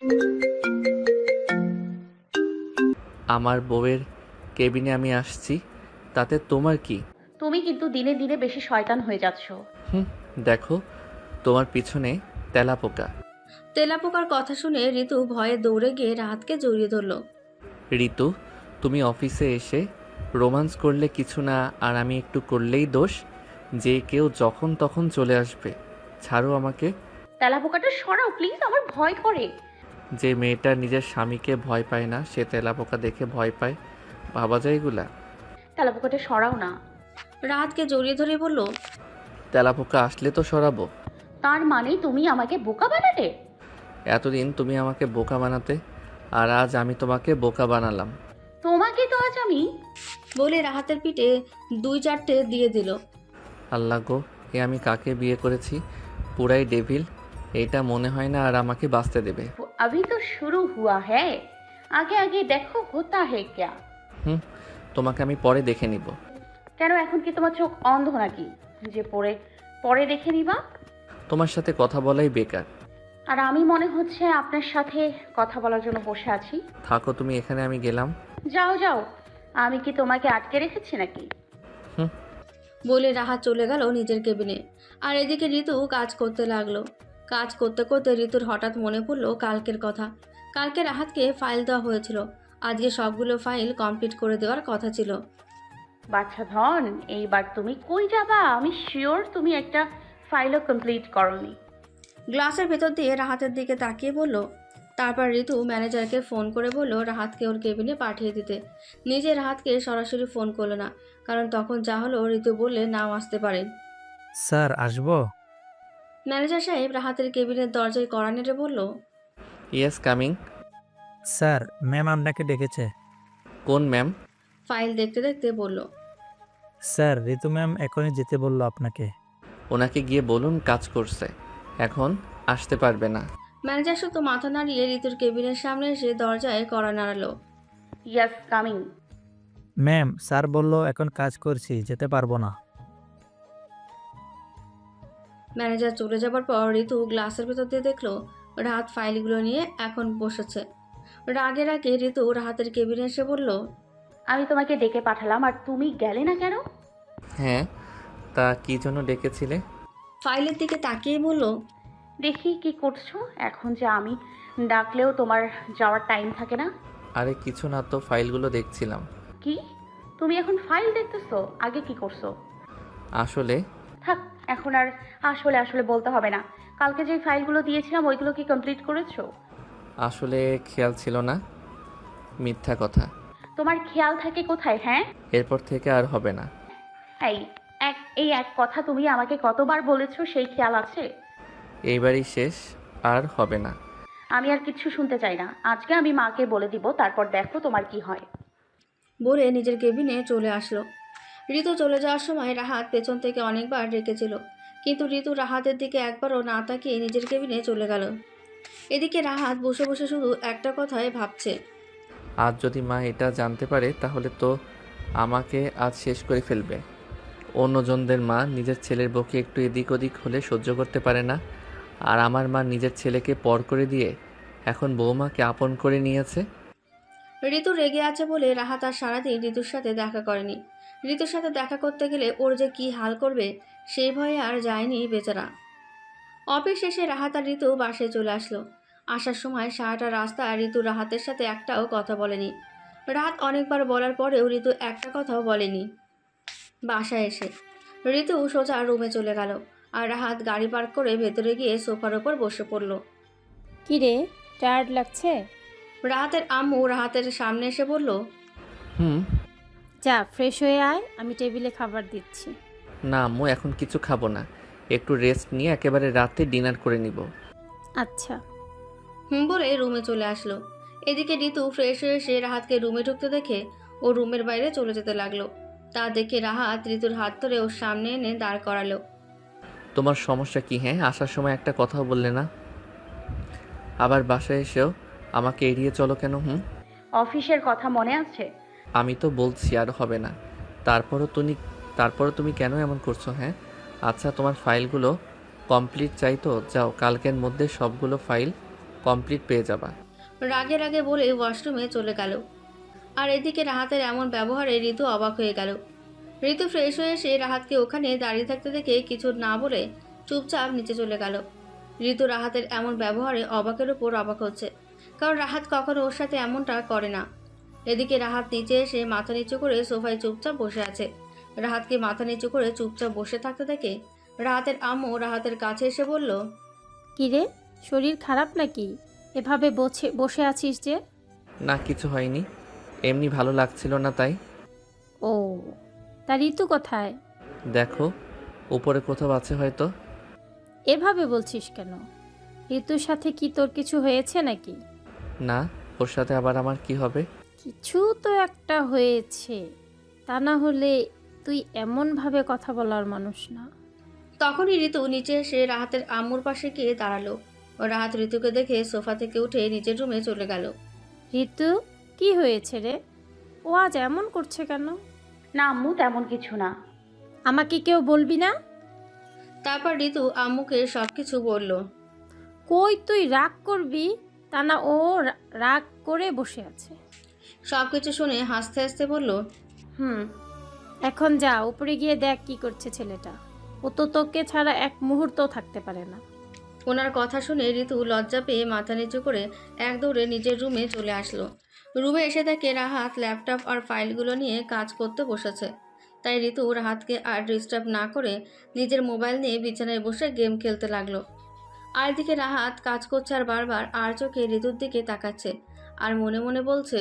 আমার বউয়ের কেবিনে আমি আসছি, তাতে তোমার কি? তুমি কিন্তু দিনে দিনে বেশি শয়তান হয়ে যাচ্ছ। হুম, দেখো তোমার পিছনে তেলাপোকা। তেলাপোকার কথা শুনে ঋতু ভয়ে দৌড়ে গিয়ে রাহাতকে জড়িয়ে ধরল। ঋতু, তুমি অফিসে এসে রোমান্স করলে কিছু না, আর আমি একটু করলেই দোষ। যে কেউ যখন তখন চলে আসবে। ছাড়ো আমাকে। তেলাপোকাটা সরাও প্লিজ, আমার ভয় করে। যে মেয়েটা নিজের স্বামীকে ভয় পায় না, সে তেলাপোকা দেখে ভয় পায়। ভাবা যায় এগুলা? তেলাপোকাটা সরাও না। রাহাতকে জড়িয়ে ধরে বলল, তেলাপোকা আসলে তো সরাবো। তার মানে তুমি আমাকে বোকা বানালে? এতদিন তুমি আমাকে বোকা বানাতে, আর আজ আমি তোমাকে বোকা বানালাম। তোমাকে তো আজ আমি। বলে রাহাতের পিঠে 2-4টে দিয়ে দিল। আল্লাহ গো, এ আমি কাকে বিয়ে করেছি? পুরাই ডেভিল। এটা মনে হয় না আর আমাকে বাঁচতে দেবে। अभी तो शुरू हुआ है, आगे आगे देखो होता है क्या। হুম, তোমাকে আমি পরে দেখে নিব। কেন, এখন কি তোমার চোখ অন্ধ নাকি যে পরে পরে দেখে নিবা? তোমার সাথে কথা বলাই বেকার। আর আমি মনে হচ্ছে আপনার সাথে কথা বলার জন্য বসে আছি। থাকো তুমি এখানে, আমি গেলাম। যাও যাও, আমি কি তোমাকে আটকে রেখেছি নাকি? হুম। বলে রাহাত চলে গেল নিজের কেবিনে। আর এদিকে ঋতু কাজ করতে লাগলো। কাজ করতে করতে ঋতুর হঠাৎ মনে পড়লো কালকের কথা। কালকে রাহাতকে ফাইল দেওয়া হয়েছিল, আজকে সবগুলো ফাইল কমপ্লিট করে দেওয়ার কথা ছিল। বাচ্চা ধন, এইবার তুমি কই যাবা? আমি শিওর তুমি একটা ফাইলও কমপ্লিট করনি। গ্লাসের ভেতর দিয়ে রাহাতের দিকে তাকিয়ে বলল। তারপর ঋতু ম্যানেজারকে ফোন করে বলল রাহাতকে ওর কেবিনে পাঠিয়ে দিতে। নিজে রাহাতকে সরাসরি ফোন করলো না, কারণ তখন যা হলো ঋতু বললে নাও আসতে পারেন। স্যার আসবো? ম্যানেজার সাহেব রাহাতের কেবিনের দরজায় কড়া নেড়ে বলল, ইয়েস, কামিং। স্যার, ম্যাম আপনাকে ডেকেছে। কোন ম্যাম? ফাইল দেখতে দেখতে বলল। স্যার, ঋতু ম্যাম এখনই যেতে বললো আপনাকে। ওনাকে গিয়ে বলুন কাজ করছে, এখন আসতে পারবে না। ম্যানেজার শুধু মাথা নাড়িয়ে ঋতুর কেবিনের সামনে এসে দরজায় কড়া নাড়ালো। Yes, coming. ম্যাম, স্যার বললো এখন কাজ করছি, যেতে পারবো না। ম্যানেজার চলে যাবার পর ঋতু গ্লাসের ভেতর দিয়ে দেখলো রাহাত ফাইলগুলো নিয়ে এখন বসেছে। রাগে রাগে ঋতু রাহাতের কেবিনে এসে বলল, আমি তোমাকে ডেকে পাঠালাম আর তুমি গেলে না কেন? হ্যাঁ, তা কি জন্য ডেকেছিলে? ফাইলের দিকে তাকিয়ে বলল, দেখি কি করছো। এখন যে আমি ডাকলেও তোমার যাওয়ার টাইম থাকে না। আরে কিছু না তো, ফাইলগুলো দেখছিলাম। কি? তুমি এখন ফাইল দেখতেছো? আগে কি করছো? আসলে থাক, এখন আর আসলে আসলে বলতে হবে না। কালকে যে ফাইলগুলো দিয়েছিলাম ওইগুলো কি কমপ্লিট করেছো? আসলে খেয়াল ছিল না। মিথ্যা কথা। তোমার খেয়াল থাকে কোথায়, হ্যাঁ? এরপর থেকে আর হবে না। এই এই এক কথা তুমি আমাকে কতবার বলেছো, সেই খেয়াল আছে? এইবারই শেষ, আর হবে না। আমি আর কিচ্ছু শুনতে চাই না। আজকে আমি মাকে বলে দিব, তারপর দেখো তোমার কি হয়। বলে নিজের কেবিনে চলে আসলো। ঋতু চলে যাওয়ার সময় রাহাত পেছন থেকে অনেকবার ডেকেছিল, কিন্তু ঋতু রাহাতের দিকে একবারও না তাকিয়ে নিজের কেবিনে চলে গেল। এদিকে রাহাত বসে বসে শুধু একটা কথাই ভাবছে। আজ যদি মা এটা জানতে পারে তাহলে তো আমাকে আজ শেষ করে ফেলবে। অন্যজনদের মা নিজের ছেলের বউকে একটু এদিক ওদিক হলে সহ্য করতে পারে না, আর আমার মা নিজের ছেলেকে পর করে দিয়ে এখন বৌমাকে আপন করে নিয়েছে। ঋতু রেগে আছে বলে রাহাত আর সারাদিন ঋতুর সাথে দেখা করেনি। ঋতুর সাথে দেখা করতে গেলে ওর যে কী হাল করবে সেই ভয়ে আর যায়নি বেচারা। অফিস শেষে রাহাত আর ঋতু বাসায় চলে আসলো। আসার সময় সারাটা রাস্তা ঋতু রাহাতের সাথে একটাও কথা বলেনি। রাত অনেকবার বলার পরেও ঋতু একটা কথাও বলেনি। বাসায় এসে ঋতু সোজা রুমে চলে গেল, আর রাহাত গাড়ি পার্ক করে ভেতরে গিয়ে সোফার ওপর বসে পড়ল। কি রে, টায়ার্ড লাগছে? রাহাতের আম্মু রাহাতের সামনে এসে বলল, হুম। যা ফ্রেশ হয়ে আয়, আমি টেবিলে খাবার দিচ্ছি। না আম্মু, এখন কিছু খাবো না, একটু রেস্ট নিয়ে একেবারে রাতে ডিনার করে নিব। আচ্ছা। বলে রুমে চলে আসলো। এদিকে ঋতু ফ্রেশ হয়ে এসে রাহাতকে রুমে ঢুকতে দেখে ও রুমের বাইরে চলে যেতে লাগলো। তা দেখে রাহাত ঋতুর হাত ধরে ওর সামনে এনে দাঁড় করালো। তোমার সমস্যা কি? হ্যাঁ, আসার সময় একটা কথাও বললে না, আবার বাসায় এসেও আমাকে এড়িয়ে চলো কেন? অফিসের কথা মনে আছে? আমি তো বলছি আর হবে না, তারপরও তুমি কেন এমন করছো? হ্যাঁ, আচ্ছা তোমার ফাইলগুলো কমপ্লিট চাই তো যাও, কালকের মধ্যে সবগুলো ফাইল কমপ্লিট পেয়ে যাবা। রাগে রাগে বলে ওয়াশরুমে চলে গেল। আর এদিকে রাহাতের এমন ব্যবহারে ঋতু অবাক হয়ে গেল। ঋতু ফ্রেশ হয়ে এসে রাহাতকে ওখানে দাঁড়িয়ে থাকতে দেখে কিছু না বলে চুপচাপ নিচে চলে গেল। ঋতু রাহাতের এমন ব্যবহারে অবাকের উপর অবাক হচ্ছে, কারণ রাহাত কখনো ওর সাথে এমনটা করে না। এদিকে রাহাত নিচে এসে মাথা নিচু করে সোফায় চুপচাপ বসে আছে। রাহাতকে মাথা নিচু করে চুপচাপ বসে থাকতে দেখে রাহাতের আম্মু রাহাতের কাছে এসে বলল, কিরে, শরীর খারাপ নাকি? এভাবে বসে আছিস যে? না, কিছু হয়নি, এমনি ভালো লাগছিল না তাই। ও, তা ঋতু কোথায়? দেখো, উপরে কোথাও আছে হয়তো। এভাবে বলছিস কেন? ঋতুর সাথে কি তোর কিছু হয়েছে নাকি? না, ওর সাথে আবার আমার কি হবে? কিছু তো একটা হয়েছে, তা না হলে তুই এমনভাবে কথা বলার মানুষ না। তখনই ঋতু নিচে এসে রাহাতের আম্মুর পাশে গিয়ে দাঁড়ালো। ও রাহাত ঋতুকে দেখে সোফা থেকে উঠে নিচের রুমে চলে গেল। ঋতু, কি হয়েছে রে? ও আজ এমন করছে কেন? না আম্মু, তেমন কিছু না। আমাকে কেউ বলবি না? তারপর ঋতু আম্মুকে সবকিছু বলল। কই, তুই রাগ করবি? তা না, ও রাগ করে বসে আছে। সবকিছু শুনে হাসতে হাসতে বলল, হুম। এখন যা উপরে গিয়ে দেখ কি করছে ছেলেটা। ও তো তোকে ছাড়া এক মুহূর্তও থাকতে পারে না। ওনার কথা শুনে ঋতু লজ্জা পেয়ে মাথা নিচু করে এক দৌড়ে নিজের রুমে চলে আসলো। রুমে এসে দেখে রাহাত ল্যাপটপ আর ফাইলগুলো নিয়ে কাজ করতে বসেছে। তাই ঋতু রাহাতকে আর ডিস্টার্ব না করে নিজের মোবাইল নিয়ে বিছানায় বসে গেম খেলতে লাগলো। আর এদিকে রাহাত কাজ করছে আর বারবার আর চোখে ঋতুর দিকে তাকাচ্ছে আর মনে মনে বলছে,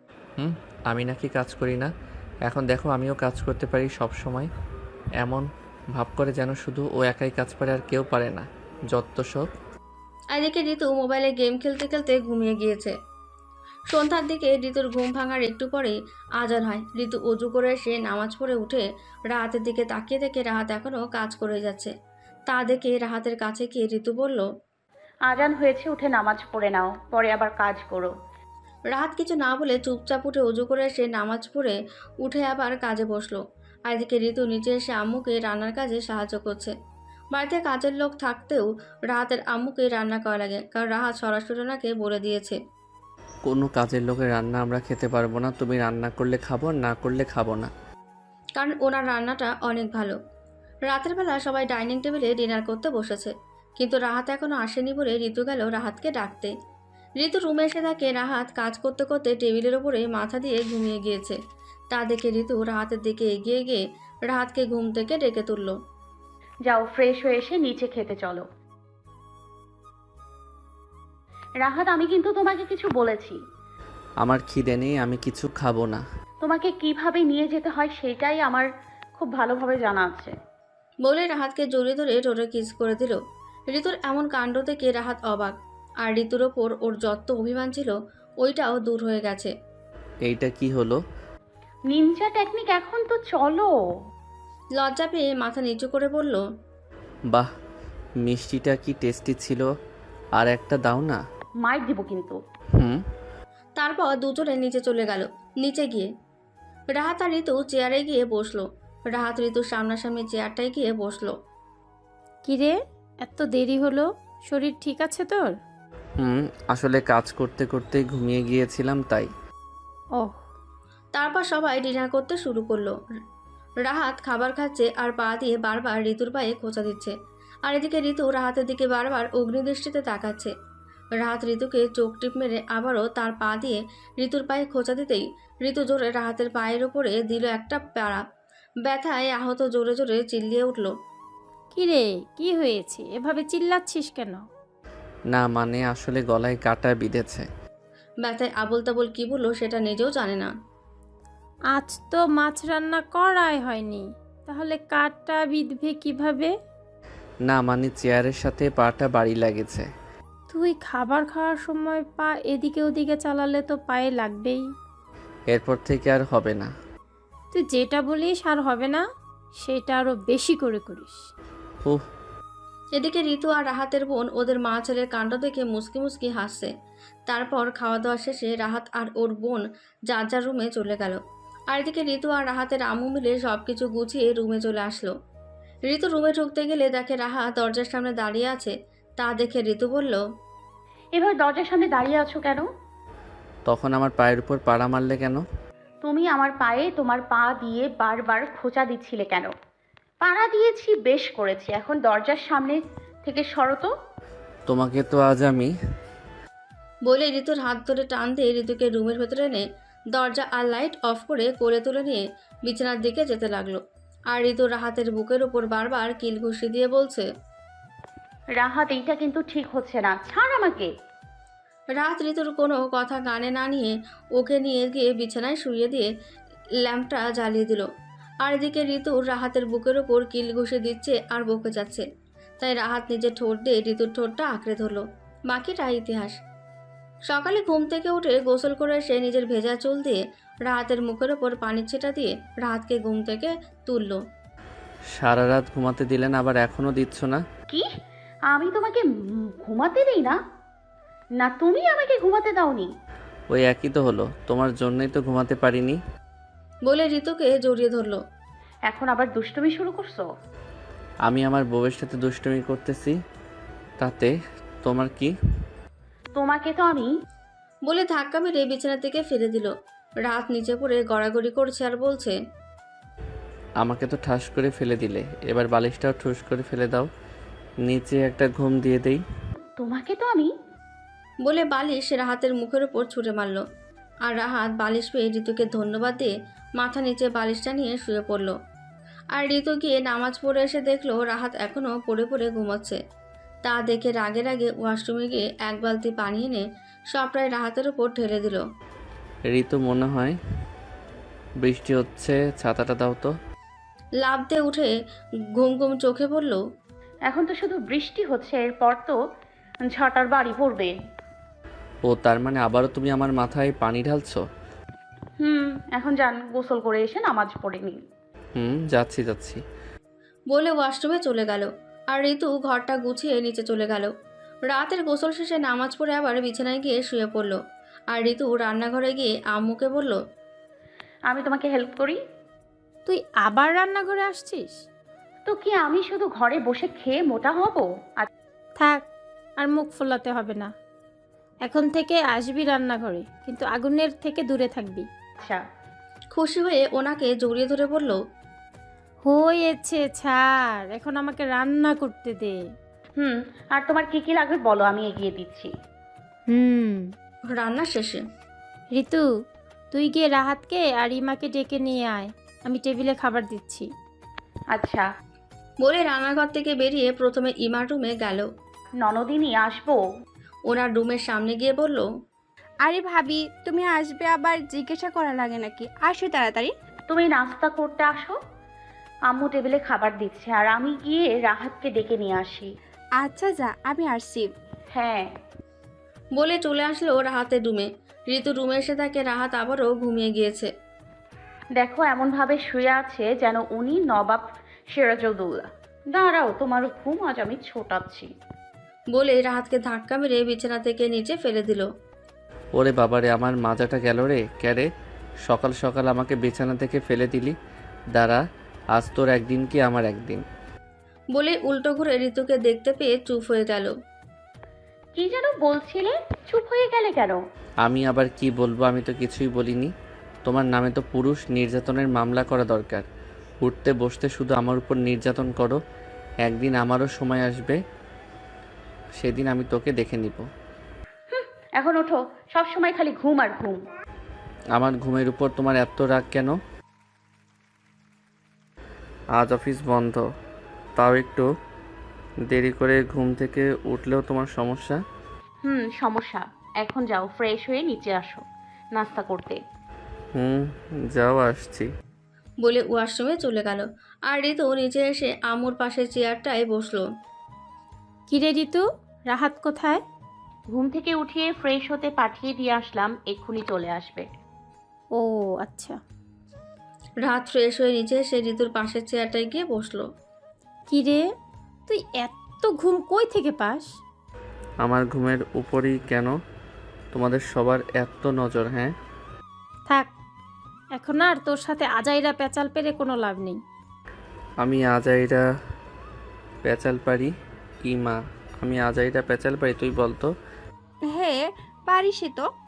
আমি নাকি কাজ করি না? এখন দেখো, আমিও কাজ করতে পারি সব সময়। এমন ভাব করে যেন শুধু ও একাই কাজ পারে আর কেউ পারে না। যত সব। আর এদিকে ঋতু মোবাইলে গেম খেলতে খেলতে ঘুমিয়ে গিয়েছে। সন্ধ্যার দিকে ঋতুর ঘুম ভাঙার একটু পরেই আজান হয়। ঋতু অজু করে এসে নামাজ পড়ে উঠে রাহাতের দিকে তাকিয়ে দেখে রাহাত এখনও কাজ করে যাচ্ছে। তা দেখে রাহাতের কাছে গিয়ে ঋতু বলল, আজান হয়েছে, উঠে নামাজ পড়ে নাও, পরে আবার কাজ করো। রাহাত কিছু না বলে চুপচাপ উঠে অজু করে এসে নামাজ পড়ে উঠে আবার কাজে বসলো। আর এদিকে ঋতু নিচে এসে আম্মুকে রান্নার কাজে সাহায্য করছে। বাড়িতে কাজের লোক থাকতেও রাহাতের আম্মুকে রান্না করা লাগে, কারণ রাহাত সরাসরি ওনাকে বলে দিয়েছে, কোনো কাজের লোকের রান্না আমরা খেতে পারবো না। তুমি রান্না করলে খাবো, না করলে খাবো না। কারণ ওনার রান্নাটা অনেক ভালো। রাতের বেলা সবাই ডাইনিং টেবিলে ডিনার করতে বসেছে, কিন্তু রাহাত এখনো আসেনি বলে ঋতু গেল রাহাতকে ডাকতে। ঋতু রুমে এসে দেখে রাহাত কাজ করতে করতে টেবিলের ওপরে মাথা দিয়ে ঘুমিয়ে গিয়েছে। তা দেখে ঋতু রাহাতের দিকে এগিয়ে গিয়ে রাহাতকে ঘুম থেকে ডেকে তুলল। যাও, ফ্রেশ হয়ে এসে নিচে খেতে চলো। রাহাত, আমি কিন্তু তোমাকে কিছু বলেছি। আমার খিদে নেই, আমি কিছু খাবো না। তোমাকে কিভাবে নিয়ে যেতে হয় সেটাই আমার খুব ভালোভাবে জানা আছে। বলে রাহাতকে জড়িয়ে ধরে ঠোঁটে কিস করে দিল। ঋতুর এমন কাণ্ড দেখে রাহাত অবাক, আর ঋতুর ওপর ওর যত অভিমান ছিল ওইটাও দূর হয়ে গেছে। এইটা কি হলো? নিনজা টেকনিক, এখন তো চলো। লজ্জা পেয়ে মাথা নিচু করে বলল, বাহ, মিষ্টিটা কি টেস্টি ছিল, আর একটা দাও না। মাইর দিব কিন্তু। তারপর দুজনে নিচে চলে গেল। নিচে গিয়ে রাহাত আর ঋতু চেয়ারে গিয়ে বসলো। রাহাত ঋতুর সামনাসামনি চেয়ারটায় গিয়ে বসলো। কিরে, এত দেরি হলো? শরীর ঠিক আছে তোর? আসলে কাজ করতে করতে ঘুমিয়ে গিয়েছিলাম তাই। ওহ। তারপর সবাই ডিনার করতে শুরু করলো। রাহাত খাবার খাচ্ছে আর পা দিয়ে বারবার ঋতুর পায়ে খোঁচা দিচ্ছে। আর এদিকে ঋতু রাহাতের দিকে বারবার অগ্নিদৃষ্টিতে তাকাচ্ছে। রাহাত ঋতুকে চোখ টিপ মেরে আবারও তার পা দিয়ে ঋতুর পায়ে খোঁচা দিতেই ঋতু জোরে রাহাতের পায়ের ওপরে দিল একটা প্যাড়া। ব্যথায় আহত জোরে জোরে চিল্লিয়ে উঠল। কিরে, কি হয়েছে? এভাবে চিল্লাচ্ছিস কেন? না মানে আসলে গলায় কাটা বিঁধেছে। ব্যথায় আবোল তাবোল কি বললো সেটা নিজেও জানে না। আজ তো মাছ রান্না করাই হয়নি, তাহলে কাঠটা বিঁধবে কিভাবে? না মানে চেয়ারের সাথে পাটা বাড়ি লাগেছে। তুই খাবার খাওয়ার সময় পা এদিকে ওদিকে চালালে তো পায়ে লাগবেই। এরপর থেকে আর হবে না। তুই যেটা বলিস আর হবে না, সেটা আরো বেশি করে করিস। উহ। এদিকে ঋতু আর রাহাতের বোন ওদের মা ছেলের কাণ্ড দেখে মুসকি মুসকি হাসছে। তারপর খাওয়া দাওয়া শেষে রাহাত আর ওর বোন যার যার রুমে চলে গেল। আর এদিকে ঋতু আর রাহাতের আম্মু মিলে সবকিছু গুছিয়ে রুমে চলে আসলো। ঋতু রুমে ঢুকতে গেলে দেখে রাহাত দরজার সামনে দাঁড়িয়ে আছে। তা দেখে ঋতু বলল, এভাবে দরজার সামনে দাঁড়িয়ে আছো কেন? তখন আমার পায়ের উপর পাড়া মারলে কেন? তুমি আমার পায়ে তোমার পা দিয়ে বারবার খোঁচা দিচ্ছিলে কেন? পাড়া দিয়েছি, বেশ করেছি, এখন দরজার সামনে থেকে সরো তো। তোমাকে তো আজ আমি। বলে ঋতুর হাত ধরে টান দিয়ে ঋতুকে রুমের ভেতরে এনে দরজা আর লাইট অফ করে কোলে তুলে নিয়ে বিছানার দিকে যেতে লাগলো। আর ঋতু রাহাতের বুকের উপর বারবার কিল ঘুষি দিয়ে বলছে, রাহাত, এইটা কিন্তু ঠিক হচ্ছে না, ছাড় আমাকে। রাত ঋতুর কোনো কথা কানে না নিয়ে ওকে নিয়ে গিয়ে বিছানায় শুইয়ে দিয়ে ল্যাম্পটা জ্বালিয়ে দিল। আর এদিকে ঋতুর রাহাতের বুকের ওপর কিল ঘুষে দিচ্ছে আর বকে যাচ্ছে। তাই রাহাত নিজের ঠোঁট দিয়ে ঋতুর ঠোঁটটা আঁকড়ে ধরলো। বাকিটা ইতিহাস। সকালে ঘুম থেকে উঠে গোসল করে এসে নিজের ভেজা চুল দিয়ে রাহাতের মুখের ওপর পানির ছিটা দিয়ে রাহাতকে ঘুম থেকে তুলল। সারা রাত ঘুমাতে দিলেন, আবার এখনো দিচ্ছ না? কি? আমি তোমাকে ঘুমাতে দেই না? না তুমি আমাকে ঘুমাতে দাওনি? ওই একই তো হলো, তোমার জন্যই তো ঘুমাতে পারিনি। বলে ঋতুকে জড়িয়ে ধরলো। এখন আবার দুষ্টুমি শুরু করছো? আমি আমার বউয়ের সাথে দুষ্টুমি করতেছি, তাতে তোমার কি? তোমাকে তো আমি। বলে ধাক্কা মেরে বিছানা থেকে ফেলে দিল। রাত নিচে পড়ে গড়াগড়ি করছে আর বলছে, আমাকে তো ঠাস করে ফেলে দিলে, এবার বালিশটাও ঠুস করে ফেলে দাও, নিচে একটা ঘুম দিয়ে দেই। তোমাকে তো আমি। বলে বালিশ রাহাতের মুখের উপর ছুঁড়ে মারল। আর রাহাত বালিশ পেয়ে ঋতুকে ধন্যবাদ দিয়ে মাথা নিচে বালিশটা নিয়ে শুয়ে পড়ল। আর ঋতু গিয়ে নামাজ পড়ে এসে দেখলো রাহাত এখনও পড়ে পড়ে ঘুমাচ্ছে। তা দেখে রাগে রাগে ওয়াশরুমে গিয়ে এক বালতি পানি এনে সবটাই রাহাতের উপর ঢেলে দিল। ঋতু, মনে হয় বৃষ্টি হচ্ছে, ছাতাটা দাও তো। লাফ দিয়ে উঠে ঘুম ঘুম চোখে বলল, এখন তো শুধু বৃষ্টি হচ্ছে, এরপর তো ঝটার বাড়ি পড়বে। ও তার মানে আবারও তুমি আমার মাথায় পানি ঢালছো? এখন যান, গোসল করে এসে নামাজ পড়ে নিন। যাচ্ছি যাচ্ছি। বলে ওয়াশরুমে চলে গেল। আর ঋতু ঘরটা গুছিয়ে নিচে চলে গেল। রাতের গোসল শেষে নামাজ পড়ে আবার বিছানায় গিয়ে শুয়ে পড়ল। আর ঋতু রান্নাঘরে গিয়ে আম্মুকে বলল, আমি তোমাকে হেল্প করি। তুই আবার রান্নাঘরে আসছিস? তো কি আমি শুধু ঘরে বসে খেয়ে মোটা হব? থাক, আর মুখ ফোলাতে হবে না। এখন থেকে আসবি রান্নাঘরে, কিন্তু আগুনের থেকে দূরে থাকবি। আচ্ছা। খুশি হয়ে ওনাকে জড়িয়ে ধরে বলল, হয়েছে, ছাড়, এখন আমাকে রান্না করতে দে। আর তোমার কি কি লাগবে বলো, আমি এগিয়ে দিচ্ছি। রান্না শেষে ঋতু, তুই গিয়ে রাহাতকে আর ইমাকে ডেকে নিয়ে আয়, আমি টেবিলে খাবার দিচ্ছি। আচ্ছা। বলে রান্নাঘর থেকে বেরিয়ে প্রথমে ইমার রুমে গেল। ননদিনী, আসবো? ওনার রুমের সামনে গিয়ে বলল, আরে ভাবি, তুমি আসবে আবার জিজ্ঞাসা করা লাগে নাকি? আসো তাড়াতাড়ি। তুমি নাস্তা করতে আসো, আম্মু টেবিলে খাবার দিচ্ছে, আর আমি গিয়ে রাহাতকে ডেকে নিয়ে আসি। আচ্ছা যা, আমি আসছি। হ্যাঁ। বলে চলে আসলো রাহাতের রুমে। ঋতু রুমে এসে তাকে রাহাত আবারও ঘুমিয়ে গিয়েছে। দেখো, এমনভাবে শুয়ে আছে যেন উনি নবাব সিরাজউদ্দৌলা। দাঁড়াও, তোমার ঘুম আজ আমি ছোটাচ্ছি। বলে রাহাতকে ধাক্কা মেরে বিছানা থেকে নিচে ফেলে দিল। ওরে বাবারে, আমার মাজাটা গেল রে। ক্যারে, সকাল সকাল আমাকে বিছানা থেকে ফেলে দিলি। দাঁড়া, আজ তোর একদিন কি আমার একদিন। বলে উল্টো ঘুরে ঋতুকে দেখতে পেয়ে চুপ হয়ে গেল। কি যেন বলছিলে, চুপ হয়ে গেলে কেন? আমি আবার কি বলবো, আমি তো কিছুই বলিনি। তোমার নামে তো পুরুষ নির্যাতনের মামলা করা দরকার। উঠতে বসতে শুধু আমার উপর নির্যাতন করো। একদিন আমারও সময় আসবে, সেদিন আমি তোকে দেখে নিব। এখন ওঠো, সব সময় খালি ঘুম আর ঘুম। আমার ঘুমের উপর তোমার এত রাগ কেন? আজ অফিস বন্ধ, তাও একটু দেরি করে ঘুম থেকে উঠলেও তোমার সমস্যা? সমস্যা। এখন যাও, ফ্রেশ হয়ে নিচে আসো নাস্তা করতে। যাও, আসছি। বলে ওয়াশরুমে চলে গেল। আর ঋতু নিচে এসে আম্মুর পাশের চেয়ারটায় বসলো। কিরে ঋতু, রাহাত কোথায়? ঘুম থেকে উঠিয়ে ফ্রেশ হতে পাঠিয়ে দিয়ে আসলাম, এক্ষুনি চলে আসবে। ও আচ্ছা। রাত ফ্রেশ হয়ে নিচে এসে ঋতুর পাশের চেয়ারটায় গিয়ে বসলো। কিরে, তুই এত ঘুম কই থেকে পাস? আমার ঘুমের উপরই কেন তোমাদের সবার এত নজর? হ্যাঁ, থাক, এখন আর তোর সাথে আজাইরা পেঁচাল পেরে কোনো লাভ নেই। আমি আজাইরা পেঁচাল পারি কি মা? আমি আজাইরা পেঁচাল পারি? তুই বলতো। হ্যাঁ পারিসই তো।